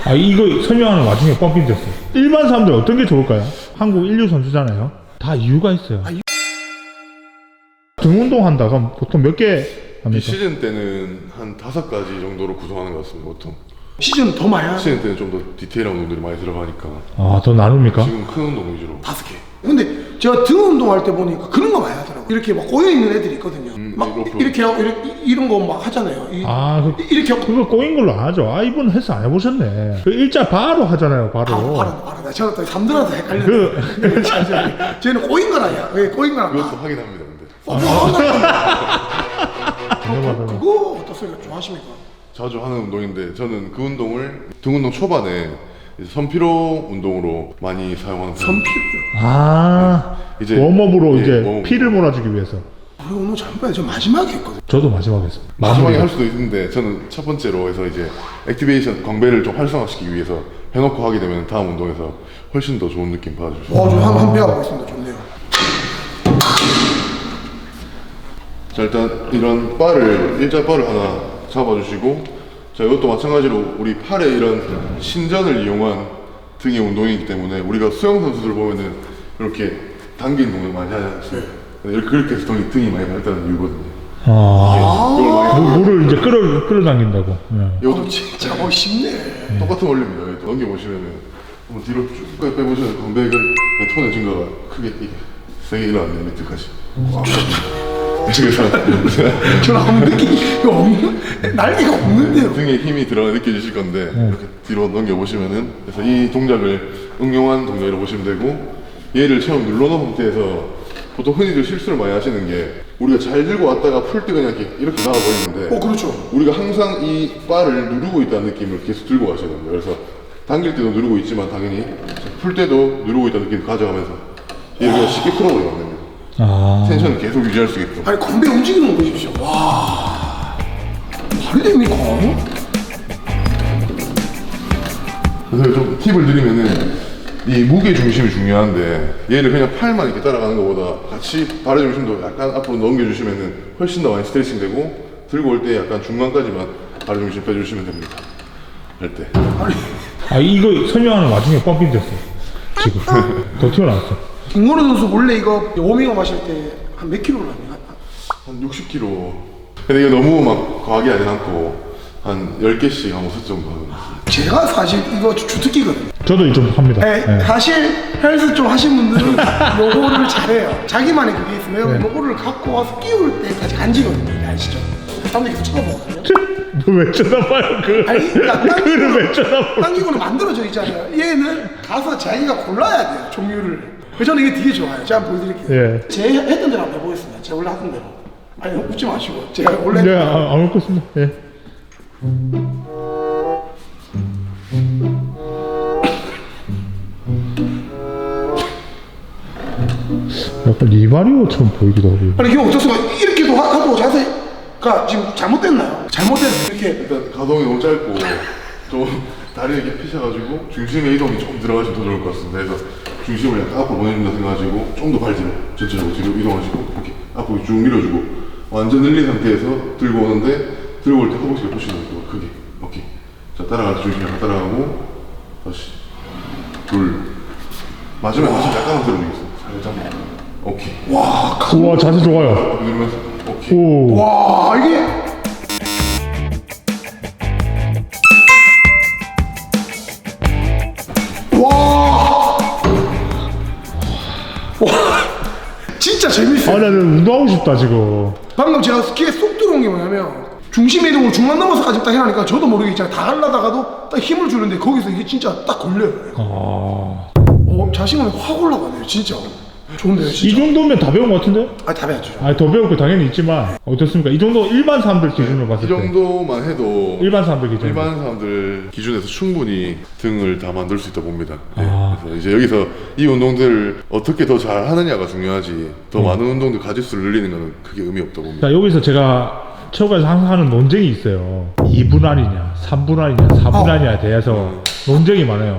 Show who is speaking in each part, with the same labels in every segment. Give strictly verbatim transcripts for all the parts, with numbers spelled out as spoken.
Speaker 1: 아, 이거 설명하는 와중에 뻥핀 됐어요. 일반 사람들 어떤 게 좋을까요? 한국 인류 선수잖아요. 다 이유가 있어요.
Speaker 2: 아, 이...
Speaker 1: 등 운동 한다 그럼 보통 몇 개 합니까?
Speaker 3: 시즌 때는 한 다섯 가지 정도로 구성하는 것 같습니다. 보통
Speaker 2: 시즌 더 많이 하요?
Speaker 3: 시즌 때는 좀 더 디테일한 운동들이 많이 들어가니까.
Speaker 1: 아, 더 나눕니까?
Speaker 3: 지금 큰 운동 위주로.
Speaker 2: 다섯 개. 근데 제가 등 운동할 때 보니까 그런 거 많이 하더라고요. 이렇게 막 꼬여있는 애들이 있거든요.
Speaker 3: 음,
Speaker 2: 막
Speaker 3: 이렇게.
Speaker 2: 이렇게 하고 이렇게, 이런 거 막 하잖아요. 이,
Speaker 1: 아, 그,
Speaker 2: 이렇게 하고
Speaker 1: 그거 꼬인 걸로 안 하죠. 아, 이분 헬스 안 해보셨네. 그 일자 바로 하잖아요, 바로.
Speaker 2: 바로 바로 바로. 저는 또 삼들한테 헷갈려.
Speaker 1: 그,
Speaker 2: 쟤는 꼬인 거라야. 왜 꼬인 거라?
Speaker 3: 그것도 확인합니다. 근데
Speaker 2: 어, 뭐
Speaker 1: 맞아.
Speaker 2: 그거 어떠세요? 좋아하십니까?
Speaker 3: 자주 하는 운동인데 저는 그 운동을 등 운동 초반에 이제 선피로 운동으로 많이 사용하는 편입니다.
Speaker 2: 선피로요.
Speaker 1: 아,
Speaker 3: 이제
Speaker 1: 웜업으로
Speaker 3: 예,
Speaker 1: 이제
Speaker 3: 웜업.
Speaker 1: 피를 몰아주기 위해서.
Speaker 2: 우리 오늘 잠깐만 저 마지막에 했거든.
Speaker 1: 저도 마지막에 했어요.
Speaker 3: 마지막에
Speaker 1: 마무리가.
Speaker 3: 할 수도 있는데 저는 첫 번째로 해서 이제 액티베이션 광배를 좀 활성화시키기 위해서 해놓고 하게 되면 다음 운동에서 훨씬 더 좋은 느낌 받아줄 수 있어요.
Speaker 2: 어, 저한 한 배워보고 있습니다. 좋네요.
Speaker 3: 자, 일단 이런 바를 일자 바를 하나 잡아주시고, 자, 이것도 마찬가지로 우리 팔의 이런 신전을 이용한 등의 운동이기 때문에 우리가 수영 선수들 보면은 이렇게 당긴 동작 많이 하지 않습니까? 이렇게 그렇게 해서 등이, 등이 많이 발달하는 이유거든요.
Speaker 1: 아,
Speaker 3: 이걸 많이
Speaker 1: 물, 물을 이제 끌어, 끌어당긴다고. 예.
Speaker 3: 이것도
Speaker 2: 어, 진짜 멋있네.
Speaker 3: 똑같은 원리입니다. 여기 넘겨보시면은 한번 뒤로 쭉 빼보시면 광배근 톤의 증가가 크게 이게 세게 일어나는 밑에까지. 그래서
Speaker 2: 저는 아무 느낌이 없는, 날개가 없는데요.
Speaker 3: 등에 힘이 들어가 느껴지실 건데 이렇게 뒤로 넘겨보시면은, 그래서 이 동작을 응용한 동작이라고 보시면 되고, 얘를 처음 눌러놓은 상태에서 보통 흔히들 실수를 많이 하시는 게 우리가 잘 들고 왔다가 풀 때 그냥 이렇게, 이렇게 나와 버리는데
Speaker 2: 어, 그렇죠.
Speaker 3: 우리가 항상 이 바를 누르고 있다는 느낌을 계속 들고 가셔야 됩니다. 그래서 당길 때도 누르고 있지만 당연히 풀 때도 누르고 있다는 느낌을 가져가면서 얘를 그냥 쉽게 풀어버리면 안 됩니다.
Speaker 1: 아,
Speaker 3: 텐션을 계속 유지할 수 있게끔.
Speaker 2: 아니, 건배 움직이는 거 보십시오. 와. 말이 됩니까?
Speaker 3: 그래서 좀 팁을 드리면은 이 무게 중심이 중요한데 얘를 그냥 팔만 이렇게 따라가는 것보다 같이 발의 중심도 약간 앞으로 넘겨주시면은 훨씬 더 많이 스트레칭 되고, 들고 올 때 약간 중간까지만 발의 중심 빼주시면 됩니다. 할 때.
Speaker 2: 아니,
Speaker 1: 아, 이거 설명하는 와중에 뻥핀 됐어요. 지금. 더 튀어나왔어.
Speaker 2: 김건우 선수 원래 이거 워밍업 하실 때 한 몇 킬로를 합니까?
Speaker 3: 한 육십 킬로그램. 근데 이거 너무 막 과하게 하진 않고 한 열 개씩 한 오십 정도 하는.
Speaker 2: 제가 사실 이거 주특기거든요.
Speaker 1: 저도 좀 합니다.
Speaker 2: 네,
Speaker 1: 예.
Speaker 2: 사실 헬스 좀 하신 분들은 요거를 잘해요. 자기만의 그게 있으면
Speaker 1: 네.
Speaker 2: 요거를 갖고 와서 끼울 때까지 간지거든요. 이게 아시죠? 사람들이 계속 쳐다보거든요.
Speaker 1: 왜 쳐다봐요, 그.
Speaker 2: 아니, 그러니까
Speaker 1: 그를 왜 쳐다봐요?
Speaker 2: 당기고는 만들어져 있잖아요. 얘는 가서 자기가 골라야 돼요, 종류를. 그래서 저는 이게 되게 좋아요. 제가 한번 보여드릴게요.
Speaker 1: 예.
Speaker 2: 제 했던 대로 한번 해보겠습니다. 제가 원래 하던 대로. 아니, 웃지 마시고. 제가 원래
Speaker 1: 네, 아, 안 먹겠습니다. 예. 약간 리바리오처럼 보이기도 하고.
Speaker 2: 아니, 이게 어떻습니까? 이렇게도 하- 하고 자세가 지금 잘못됐나요? 잘못됐어. 이렇게.
Speaker 3: 일단 가동이 너무 짧고 좀 다리를 이렇게 피셔가지고 중심의 이동이 조금 들어가시면 더 좋을 것 같습니다. 그래서 중심을 약간 앞으로 보내준다 생각하시고 좀 더 발 뒤로 전체적으로 뒤로 이동하시고 이렇게 앞으로 쭉 밀어주고, 완전 늘린 상태에서 들고 오는데 들고 올 때 허벅지가 푸시는 거 크게. 오케이. 자, 따라가서 중심 약간 따라가고 다시 둘. 마지막에 다시 약간만 들어주겠습니다. 살짝만. 오케이.
Speaker 2: 와,
Speaker 1: 우와, 자세 좋아요.
Speaker 3: 누르면서 오케이.
Speaker 1: 오.
Speaker 2: 와, 이게. 와. 와. 진짜
Speaker 1: 아,
Speaker 2: 재밌어요.
Speaker 1: 나는 운동하고 싶다, 지금.
Speaker 2: 방금 제가 스키에 쏙 들어온 게 뭐냐면 중심 이동을 중간 넘어서까지 딱 해라니까 저도 모르게 있잖아요. 다 하려다가도 딱 힘을 주는데 거기서 이게 진짜 딱 걸려요.
Speaker 1: 아.
Speaker 2: 어, 자신감이 확 올라가네요, 진짜. 좋은데요,
Speaker 1: 이
Speaker 2: 진짜.
Speaker 1: 정도면 다 배운 것 같은데?
Speaker 2: 아, 다 배웠죠.
Speaker 1: 아, 더 배울 거 당연히 있지만, 어떻습니까? 이 정도 일반 사람들 기준으로 봤을
Speaker 3: 이
Speaker 1: 때.
Speaker 3: 정도만 해도
Speaker 1: 일반 사람들 기준으로.
Speaker 3: 일반 사람들 기준에서 충분히 등을 다 만들 수 있다 봅니다. 네.
Speaker 1: 아.
Speaker 3: 그래서 이제 여기서 이 운동들을 어떻게 더 잘 하느냐가 중요하지, 더
Speaker 1: 음.
Speaker 3: 많은 운동들 가짓수를 늘리는 것은 크게 의미 없다 봅니다.
Speaker 1: 자, 여기서 제가 체육관에서 항상 하는 논쟁이 있어요. 이 분 아니냐, 삼 분 아니냐, 사 분
Speaker 2: 어.
Speaker 1: 아니냐에 대해서 논쟁이 많아요.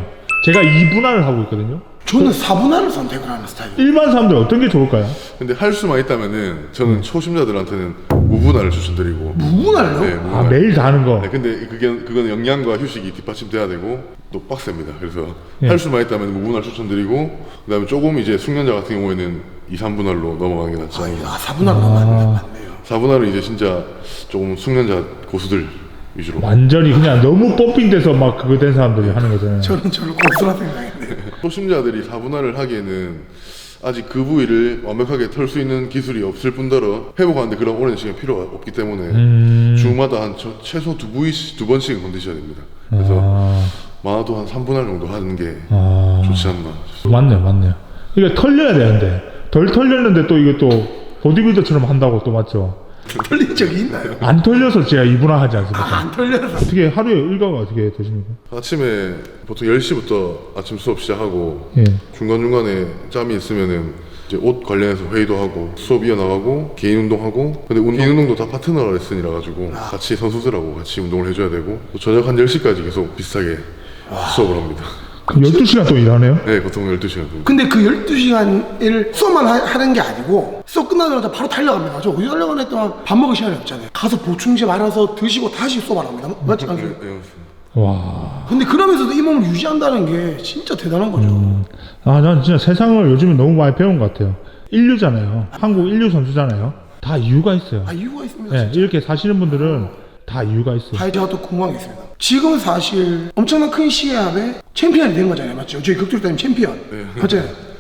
Speaker 1: 제가 이 분할을 하고 있거든요.
Speaker 2: 저는 사 분할을 선택을 하는 스타일이에요.
Speaker 1: 일반 사람들 어떤 게 좋을까요?
Speaker 3: 근데 할 수만 있다면은 저는 초심자들한테는 무분할을 추천드리고.
Speaker 2: 무분할요?
Speaker 3: 네,
Speaker 1: 아,
Speaker 3: 무분할.
Speaker 1: 매일 다 하는 거.
Speaker 3: 네, 근데 그게 그거는 영양과 휴식이 뒷받침돼야 되고 또 빡셉니다. 그래서
Speaker 1: 예.
Speaker 3: 할 수만 있다면 무분할 추천드리고 그다음에 조금 이제 숙련자 같은 경우에는 이, 삼 분할로 넘어가는 게 낫지 않나.
Speaker 2: 아, 사 분할로 맞네, 맞네요.
Speaker 3: 사 분할은 이제 진짜 조금 숙련자 고수들 위주로.
Speaker 1: 완전히 그냥 너무 펌핑돼서 막 그거 된 사람들이 하는 거잖아요.
Speaker 2: 저는 저를 고수라 생각했는데.
Speaker 3: 초심자들이 사 분할을 하기에는 아직 그 부위를 완벽하게 털 수 있는 기술이 없을 뿐더러 회복하는데 그런 오랜 시간이 필요가 없기 때문에
Speaker 1: 음...
Speaker 3: 주마다 한 저- 최소 두 부위씩 두 번씩은 건드셔야 됩니다. 그래서
Speaker 1: 아...
Speaker 3: 많아도 한 삼 분할 정도 하는 게
Speaker 1: 아...
Speaker 3: 좋지 않나.
Speaker 1: 맞네요, 맞네요. 이게 털려야 되는데 덜 털렸는데 또 이게 또 보디빌더처럼 한다고 또 맞죠?
Speaker 2: 털린 적이 있나요?
Speaker 1: 안 털려서 제가 이 분할 하지 않습니까?
Speaker 2: 아, 안 털려서.
Speaker 1: 어떻게 하루에 일과가 어떻게 되십니까?
Speaker 3: 아침에 보통 열 시부터 아침 수업 시작하고
Speaker 1: 예.
Speaker 3: 중간중간에 짬이 있으면은 이제 옷 관련해서 회의도 하고 수업 이어나가고 개인 운동하고 근데 운- 개인 운동도 다 파트너 레슨이라 가지고 같이 선수들하고 같이 운동을 해줘야 되고 또 저녁 한 열 시까지 계속 비슷하게 수업을 합니다.
Speaker 1: 그럼 열두 시간 또 일하네요?
Speaker 3: 네, 보통 열두 시간 정도.
Speaker 2: 근데 그 열두 시간을 수업만 하, 하는 게 아니고 수업 끝나자마자 바로 달려갑니다. 저 어디 달려가나 했더니 밥 먹을 시간이 없잖아요. 가서 보충제 말아서 드시고 다시 수업 안 합니다. 맞지
Speaker 3: 네,
Speaker 2: 않습니까?
Speaker 3: 네, 맞습니다.
Speaker 1: 와.
Speaker 2: 근데 그러면서도 이 몸을 유지한다는 게 진짜 대단한 거죠.
Speaker 1: 아, 난 진짜 세상을 요즘에 너무 많이 배운 것 같아요. 인류잖아요. 한국 인류 선수잖아요. 다 이유가 있어요.
Speaker 2: 아, 이유가 있습니다.
Speaker 1: 네,
Speaker 2: 진짜.
Speaker 1: 이렇게 사시는 분들은 다 이유가 있어요.
Speaker 2: 아, 제가 또 궁금한 게 있습니다. 지금 사실 엄청난 큰 시합에 챔피언이 된 거잖아요. 맞죠? 저희 격투기 타임 챔피언. 맞죠?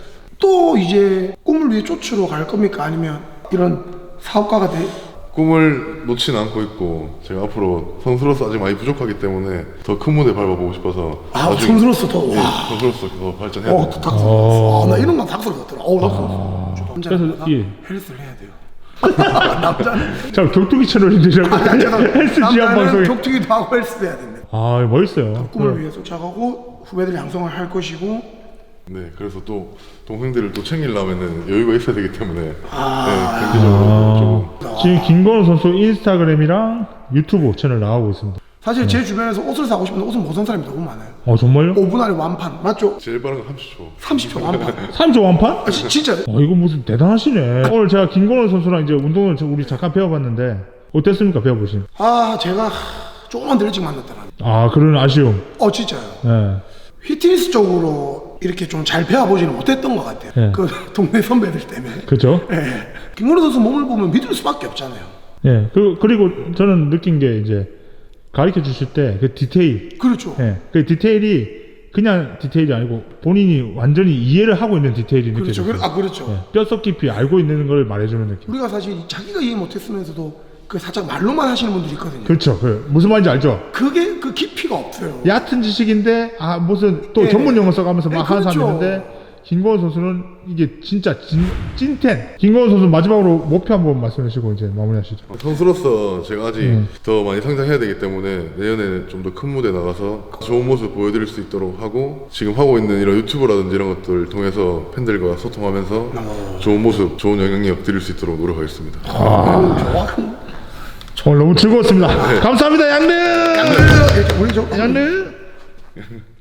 Speaker 2: 또 이제 꿈을 위해 쫓으러 갈 겁니까? 아니면 이런 사업가가 돼?
Speaker 3: 꿈을 놓지는 않고 있고 제가 앞으로 선수로서 아직 많이 부족하기 때문에 더 큰 무대 밟아보고 싶어서
Speaker 2: 아,
Speaker 3: 나중에-
Speaker 2: 선수로서 더,
Speaker 3: 네,
Speaker 2: 와.
Speaker 3: 선수로서 더 발전해야
Speaker 2: 어,
Speaker 3: 됩니다.
Speaker 2: 또 닭살 돋았어. 아, 나 이런 건 닭살 돋더라. 어, 닭살 돋았어.
Speaker 1: 그래서 예.
Speaker 2: 헬스를 해야 돼요. 남자는
Speaker 1: 자, 격투기 채널인데 자꾸 헬스 지향
Speaker 2: 남자는
Speaker 1: 방송이.
Speaker 2: 격투기도 하고 헬스도 해야 됩니다.
Speaker 1: 아, 멋있어요.
Speaker 2: 꿈을 위해 쫓아가고 후배들 양성을 할 것이고.
Speaker 3: 네, 그래서 또 동생들을 또 챙기려면은 여유가 있어야 되기 때문에
Speaker 2: 아.
Speaker 3: 네, 경제적으로 조금
Speaker 1: 지금 김건우 선수 인스타그램이랑 유튜브 채널 나가고 있습니다.
Speaker 2: 사실 제 주변에서 옷을 사고 싶은데 옷을 못 산 사람이 너무 많아요.
Speaker 1: 어, 정말요?
Speaker 2: 오 분 안에 완판 맞죠?
Speaker 3: 제일 빠른 건 삼십 초.
Speaker 2: 삼십 초 완판.
Speaker 1: 삼 조 완판?
Speaker 2: 아, 지, 진짜.
Speaker 1: 어, 이거 무슨 대단하시네. 오늘 제가 김건우 선수랑 이제 운동을 저- 우리 잠깐 배워봤는데 어땠습니까? 배워보신?
Speaker 2: 아, 제가 조금만 더 일찍 만났더라.
Speaker 1: 아, 그런 아쉬움.
Speaker 2: 어, 진짜요.
Speaker 1: 예.
Speaker 2: 휘트니스 쪽으로 이렇게 좀 잘 배워보지는 못했던 것 같아요.
Speaker 1: 네.
Speaker 2: 그 동네 선배들 때문에.
Speaker 1: 그죠?
Speaker 2: 예. 김건우 선수 몸을 보면 믿을 수밖에 없잖아요.
Speaker 1: 예. 그리고, 그리고 저는 느낀 게 이제 가르쳐 주실 때 그 디테일.
Speaker 2: 그렇죠.
Speaker 1: 예. 그 디테일이 그냥 디테일이 아니고 본인이 완전히 이해를 하고 있는 디테일이
Speaker 2: 그렇죠.
Speaker 1: 느껴져요.
Speaker 2: 그- 아, 그렇죠.
Speaker 1: 예. 뼈속 깊이 알고 있는 걸 말해주는 느낌.
Speaker 2: 우리가 사실 자기가 이해 못했으면서도 그 살짝 말로만 하시는 분들이 있거든요.
Speaker 1: 그렇죠. 그 무슨 말인지 알죠?
Speaker 2: 그게 그 깊이가 없어요.
Speaker 1: 얕은 지식인데 아 무슨 또
Speaker 2: 예.
Speaker 1: 전문 용어 써가면서 막
Speaker 2: 예,
Speaker 1: 하는 사람이
Speaker 2: 그렇죠.
Speaker 1: 있는데 김건우 선수는 이게 진짜 진, 찐텐. 김건우 선수 마지막으로 목표 한번 말씀해 주시고 이제 마무리하시죠.
Speaker 3: 선수로서 제가 아직
Speaker 1: 음.
Speaker 3: 더 많이 성장해야 되기 때문에 내년에 좀 더 큰 무대 나가서 좋은 모습 보여드릴 수 있도록 하고 지금 하고 있는 이런 유튜브라든지 이런 것들 통해서 팬들과 소통하면서 좋은 모습, 좋은 영향력 드릴 수 있도록 노력하겠습니다.
Speaker 1: 오늘 너무 즐거웠습니다. 감사합니다, 양릉.
Speaker 2: 우리 저
Speaker 1: 양릉.